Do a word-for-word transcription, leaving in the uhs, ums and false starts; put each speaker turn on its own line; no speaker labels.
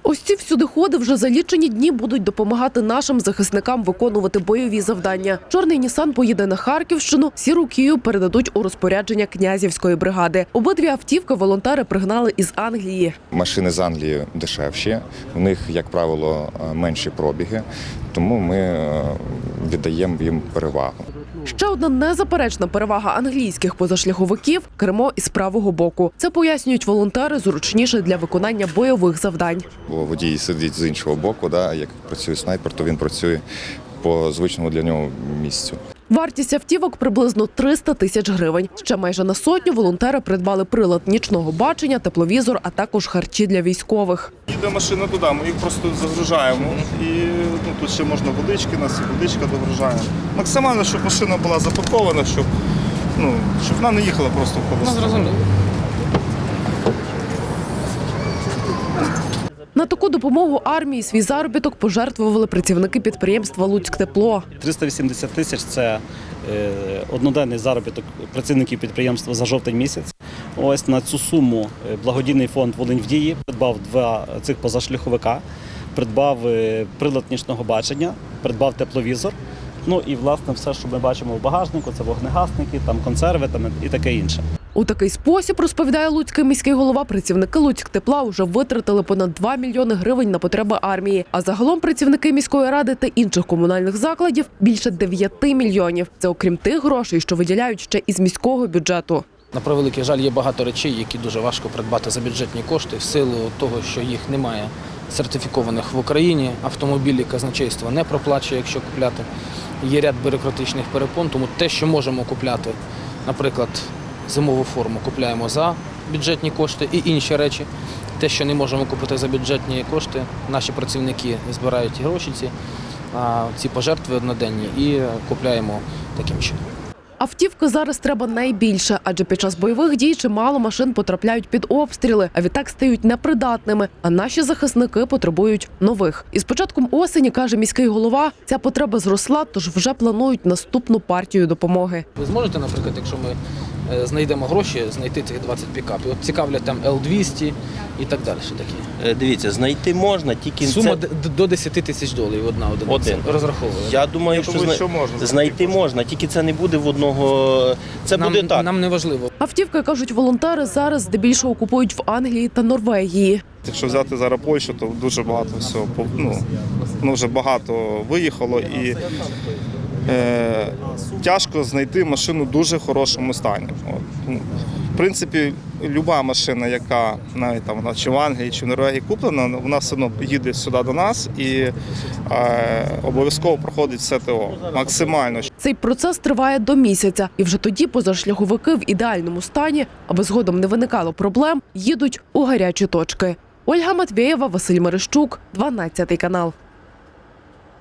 Ось ці всюдиходи вже за лічені дні будуть допомагати нашим захисникам виконувати бойові завдання. Чорний Нісан поїде на Харківщину, сіру Кію передадуть у розпорядження Князівської бригади. Обидві автівки волонтери пригнали із Англії.
Машини з Англії дешевші, у них, як правило, менші пробіги, тому ми віддаємо їм перевагу.
Ще одна незаперечна перевага англійських позашляховиків – кермо із правого боку. Це, пояснюють волонтери, зручніше для виконання бойових завдань.
Бо водій сидить з іншого боку, да, як працює снайпер, то він працює по звичному для нього місцю.
Вартість автівок – приблизно триста тисяч гривень. Ще майже на сотню волонтери придбали прилад нічного бачення, тепловізор, а також харчі для військових.
Їде машина туди, ми їх просто загружаємо. І ну, тут ще можна водички, нас і водичка догружає. Максимально, щоб машина була запакована, щоб, ну, щоб вона не їхала просто в холосту.
Ну, зрозуміло.
На таку допомогу армії свій заробіток пожертвували працівники підприємства «Луцьктепло».
триста вісімдесят тисяч – це одноденний заробіток працівників підприємства за жовтень місяць. Ось на цю суму благодійний фонд «Волинь в дії» придбав два цих позашляховика, придбав прилад нічного бачення, придбав тепловізор. Ну і, власне, все, що ми бачимо в багажнику – це вогнегасники, там консерви там, і таке інше.
У такий спосіб, розповідає луцький міський голова, працівники «Луцьктепла» вже витратили понад два мільйони гривень на потреби армії. А загалом працівники міської ради та інших комунальних закладів – більше дев'яти мільйонів. Це окрім тих грошей, що виділяють ще із міського бюджету.
На превеликий жаль, є багато речей, які дуже важко придбати за бюджетні кошти в силу того, що їх немає сертифікованих в Україні. Автомобілі казначейство не проплачує, якщо купляти. Є ряд бюрократичних перепон, тому те, що можемо купляти, наприклад, зимову форму купляємо за бюджетні кошти і інші речі. Те, що не можемо купити за бюджетні кошти, наші працівники збирають гроші, ці, ці пожертви одноденні і купляємо таким чином.
Автівки зараз треба найбільше, адже під час бойових дій чимало машин потрапляють під обстріли, а відтак стають непридатними, а наші захисники потребують нових. І з початком осені, каже міський голова, ця потреба зросла, тож вже планують наступну партію допомоги.
Ви зможете, наприклад, якщо ми знайдемо гроші, знайти цих двадцять пікапів? От цікавлять там Л двісті і так далі. Такі.
Дивіться, знайти можна, тільки
сума
це...
до десяти тисяч доларів одна одиниця
Один.
розраховує.
Я думаю, що,
думаю,
зна...
що можна
знайти можна, тільки це не буде в одного. Це
нам,
буде так.
Нам не важливо.
Автівки, кажуть волонтери, зараз здебільшого купують в Англії та Норвегії.
Якщо взяти зараз Польщу, то дуже багато всього, ну, ну вже багато виїхало і е, тяжко знайти машину в дуже хорошому стані. От. Ну, в принципі, люба машина, яка навіть там вона чи в Англії, чи в Норвегії куплена, вона все одно їде сюди до нас і е, обов'язково проходить все ТО. Максимально.
Цей процес триває до місяця. І вже тоді позашляховики в ідеальному стані, аби згодом не виникало проблем, їдуть у гарячі точки. Ольга Матвєєва, Василь Мерещук, дванадцятий канал.